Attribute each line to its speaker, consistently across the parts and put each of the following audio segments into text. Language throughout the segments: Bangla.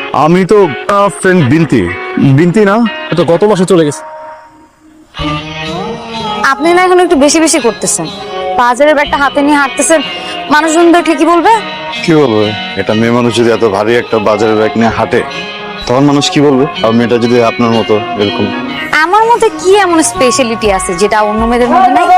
Speaker 1: আমি তো ফ্রেন্ড বিনতি বিনতি না, তো গত মাসে চলে গেছে।
Speaker 2: আপনি না এখন একটু বেশি বেশি করতেছেন। বাজারের ব্যাগটা হাতে নিয়ে হাঁটতেছেন, মানুষজন দেখলে কি বলবে?
Speaker 1: কি বলবে? এটা মেয়ে মানুষ যদি এত ভারী একটা বাজারের ব্যাগ নিয়ে হাঁটে তখন মানুষ কি বলবে? আর মেয়েটা যদি আপনার মতো এরকম।
Speaker 2: আমার মধ্যে কি এমন স্পেশালিটি আছে যেটা অন্য মেয়েদের মধ্যে নাই?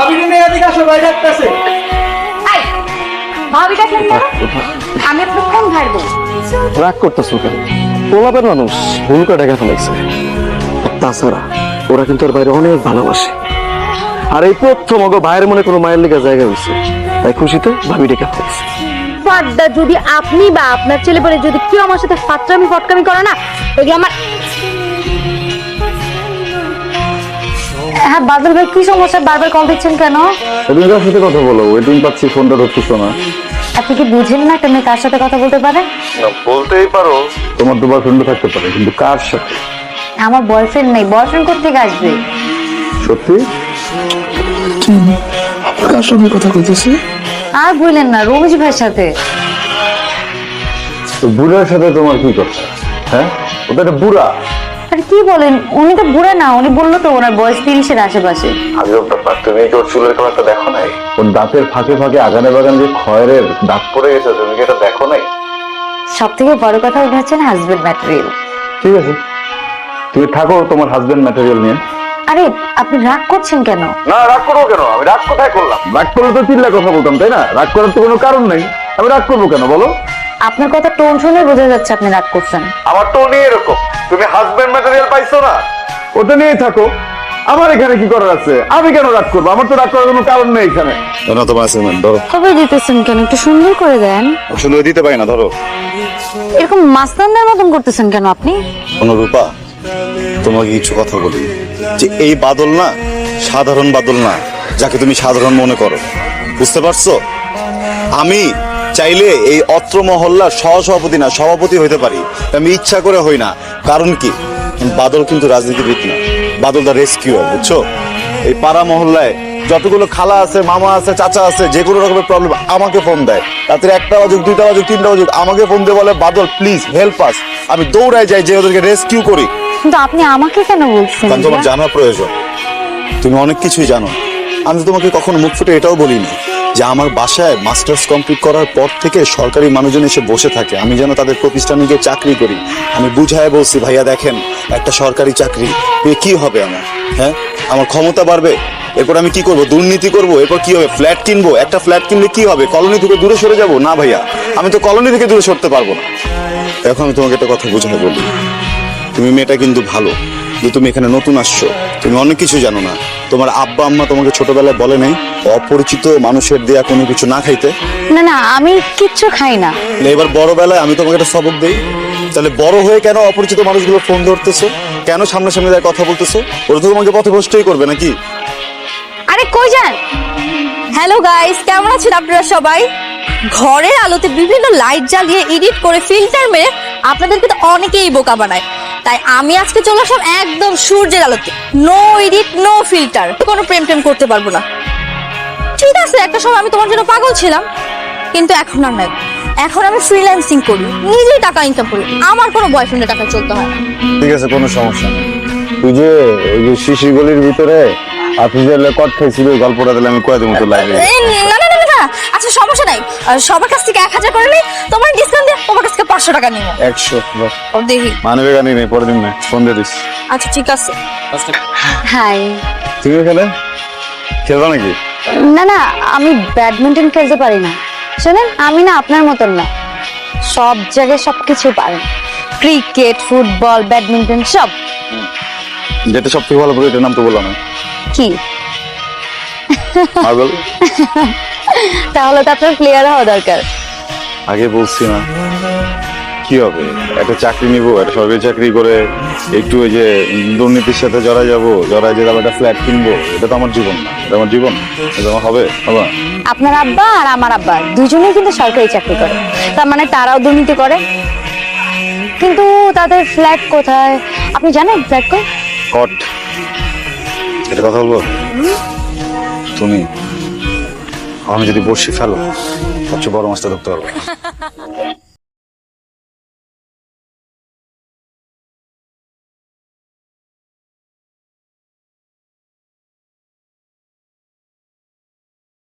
Speaker 2: এই, ভাবি ডাকলেন কেন? আমি আপনার কোন ভাইয়ের বউ?
Speaker 3: রাগ করতেছো কেন? পোলাপের মানুষ ভুল করে ডেকে ফেলাইছে। তাছাড়া ওরা কিন্তু ওর বাইরে অনেক ভালোবাসে। আর এই প্রথম ওগো ভাইয়ের মনে কোনো মায়ের লেগে জায়গা হয়েছে, তাই খুশিতে ভাবি ডেকে ফেলাইছে।
Speaker 2: ফাড্ডা, যদি আপনি বা আপনার ছেলে বলে যদি কেউ আমার সাথে ফাটকামি ফটকামি করে না, এগুলো আমার। হ্যাঁ বাদল ভাই, কি সমস্যা? বারবার কল দিচ্ছেন কেন?
Speaker 1: তুমি কার সাথে কথা বলো? ওয়েটিং পাচ্ছি, ফোনটা ধরতেছো না।
Speaker 2: আপনি কি বুঝেন না একটা মেয়ে কার সাথে কথা বলতে পারে?
Speaker 1: বলতেই পারো তোমার দুবার ফ্রেন্ড থাকতে পারে, কিন্তু কার সাথে?
Speaker 2: আমার বয়ফ্রেন্ড নেই, বয়ফ্রেন্ড কোথেকে আসবে?
Speaker 1: সত্যি?
Speaker 3: কার সঙ্গে কথা কইতেছে?
Speaker 2: আর বললেন না, রমেশ ভাইয়ের সাথে।
Speaker 1: তো বুড়ার সাথে তোমার কি কথা? হ্যাঁ, ওটা একটা বুড়া।
Speaker 2: আরে কি বলেন, উনি তো বুড়া না, উনি বললো তো ওনার বয়স 30-এর আশেপাশে।
Speaker 1: আজব ব্যাপার, তুমি কি ওর চুলের কালারটা দেখো নাই? ওর দাঁতের ফাঁকে ফাঁকে আগানে বাগান যে খয়ের দাগ পড়ে গেছে, তুমি কি এটা দেখো নাই?
Speaker 2: সব থেকে বড় কথা, উনি হচ্ছেন হাজবেন্ড ম্যাটেরিয়াল।
Speaker 1: ঠিক আছে, তুমি থাকো তোমার হাজবেন্ড ম্যাটেরিয়াল নিয়ে।
Speaker 2: আরে আপনি রাগ করছেন কেন?
Speaker 1: না, রাগ করবো কেন? আমি রাগ কোথায় করলাম? রাগ করলে তো চিল্লা কথা বলতাম, তাই না? রাগ করার তো কোনো কারণ নেই, আমি রাগ করবো কেন বলো?
Speaker 2: আপনার কথা টোন শুনে বোঝা যাচ্ছে আপনি রাগ করছেন।
Speaker 1: আমার টোনই এরকম। তুমি হাজবেন্ড ম্যাটেরিয়াল পাইছো না, ওটা নিয়েই থাকো। আমার এখানে কি করার আছে? আমি কেন রাগ করবো? আমার তো রাগ করার কোনো কারণ নেই এখানে। না, তোমার অ্যাসাইনমেন্ট ধরো।
Speaker 2: কবে দিতেছেন কেন? একটু সুন্দর করে দেন।
Speaker 1: সুন্দর দিতে পারি না, ধরো।
Speaker 2: এরকম মাস্তানদের মতন করতেছেন কেন আপনি?
Speaker 1: অনুরূপা, তোমাকে কিছু কথা বলি, যে এই বাদল না সাধারণ বাদল না, যাকে তুমি সাধারণ মনে করো। বুঝতে পারছো? আমি চাইলে এই অত্র মহল্লার সহসভাপতি না, সভাপতি হইতে পারি। আমি ইচ্ছা করে হই না। কারণ কি? বাদল কিন্তু রাজনীতিবিদ না, বাদল দা রেস্কিউয়ার, বুঝছো? এই পাড়া মহল্লায় যতগুলো খালা আছে, মামা আছে, চাচা আছে, যে কোনো রকমের প্রবলেম আমাকে ফোন দেয়। রাত্রে 1টা বাজুক, 2টা বাজুক, 3টা বাজুক, আমাকে ফোন দিয়ে বলে বাদল প্লিজ হেল্প আস। আমি দৌড়ায় যাই যে ওদেরকে রেস্কিউ করি।
Speaker 2: কিন্তু আপনি আমাকে কেন বলছেন?
Speaker 1: কারণ তোমার জানা প্রয়োজন, তুমি অনেক কিছুই জানো। আমি তো তোমাকে কখনো মুখ ফুটে এটাও বলিনি যে আমার বাসায় মাস্টার্স কমপ্লিট করার পর থেকে সরকারি মানুষজন এসে বসে থাকে, আমি যেন তাদের প্রতিষ্ঠানে গিয়ে চাকরি করি। আমি বুঝায় বলছি, ভাইয়া দেখেন, একটা সরকারি চাকরি পেয়ে কি হবে আমার? হ্যাঁ, আমার ক্ষমতা বাড়বে, এরপর আমি কি করব? দুর্নীতি করব, এরপর কি হবে? ফ্ল্যাট কিনবো। একটা ফ্ল্যাট কিনলে কি হবে? কলোনি থেকে দূরে সরে যাব? না ভাইয়া, আমি তো কলোনি থেকে দূরে সরতে পারবো না। এখন আমি তোমাকে একটা কথা বুঝাই বলি, তুমি মেয়েটা কিন্তু ভালো, কিন্তু তুমি এখানে নতুন আসছো, তুমি অনেক কিছু জানো না। তোমার আব্বা আম্মা তোমাকে ছোটবেলায় বলে নাই অপরিচিত মানুষের দেয়া কোনো কিছু না খাইতে?
Speaker 2: না না, আমি কিচ্ছু খাই না।
Speaker 1: এবার বড় বেলায় আমি তোমাকে একটা সবক দেই, তাহলে বড় হয়ে কেন অপরিচিত মানুষগুলো ফোন ধরতেছো? কেন সামনাসামনি দাঁড়িয়ে কথা বলতেছো? ওরা তো তোমাকে পথভ্রষ্টই করবে নাকি?
Speaker 2: আরে কই যান?
Speaker 4: হ্যালো গাইস, কেমন আছেন আপনারা সবাই? ঘরের আলোতে বিভিন্ন লাইট জ্বালিয়ে এডিট করে ফিল্টার মেরে আপনাদেরকে তো অনেকেই বোকা বানায়। তাই আমি আজকে চলে আসলাম একদম সূর্যের আলোতে, নো এডিট নো ফিল্টার, কোনো প্রেম টেম করতে পারবো না। ঠিক আছে, একটা সময় আমি তোমার জন্য পাগল ছিলাম, কিন্তু এখন আর নাই। এখন আমি ফ্রিল্যান্সিং করি, নিজেই টাকা ইনকাম করি, আমার কোনো বয়ফ্রেন্ডের টাকা চলতে হয় না।
Speaker 1: ঠিক আছে, কোনো সমস্যা নেই। তুই যে ওই যে শিশির গলির ভিতরে আফিজের কট খাইছিল, ওই গল্পটা দিলে আমি কয়ে দেবো তো লাইভে।
Speaker 4: না না না না, আচ্ছা সমস্যা নাই, সবার কাছ থেকে 1000 করে নিই, তোমার ডিসকাউন্ট দিয়ে তোমার কাছ থেকে 500 টাকা নিব।
Speaker 1: 100
Speaker 4: ও দেখি,
Speaker 1: মানবে গানি নেই, পরের দিন না, ফোন দিয়ে দিস।
Speaker 4: আচ্ছা ঠিক আছে।
Speaker 2: হাই।
Speaker 1: তুমি এখানে খেলবা নাকি?
Speaker 2: না না, আমি ব্যাডমিন্টন খেলতে পারি না। শোনেন, আমি না আপনার মতন না, সব জায়গায় সবকিছু পারি। ক্রিকেট, ফুটবল, ব্যাডমিন্টন সব।
Speaker 1: যেটা সব থেকে ভালো, এটার নাম তো বললাম না।
Speaker 2: কি?
Speaker 1: মার্বেল।
Speaker 2: তাহলে তো আপনার প্লেয়ার হওয়া দরকার।
Speaker 1: আগে বলছি না, কি হবে? একটা চাকরি নিব, একটা সরকারি চাকরি করে একটু ওই যে দুর্নীতির সাথে জড়ায় যাবো, জড়ায় যে একটা ফ্ল্যাট কিনবো। এটা তো আমার জীবন না, এটা আমার জীবন, এটা আমার হবে না।
Speaker 2: আপনার আব্বা আর আমার আব্বা দুজনেই কিন্তু সরকারি চাকরি করে, তার মানে তারাও দুর্নীতি করে। কিন্তু তাদের ফ্ল্যাট কোথায় আপনি জানেন? ফ্ল্যাট কই?
Speaker 1: কট। এটা কথা বলবো? তুমি আমি যদি বসে ফেলো, সবচেয়ে বড় মাছটা ধরতে পারবো।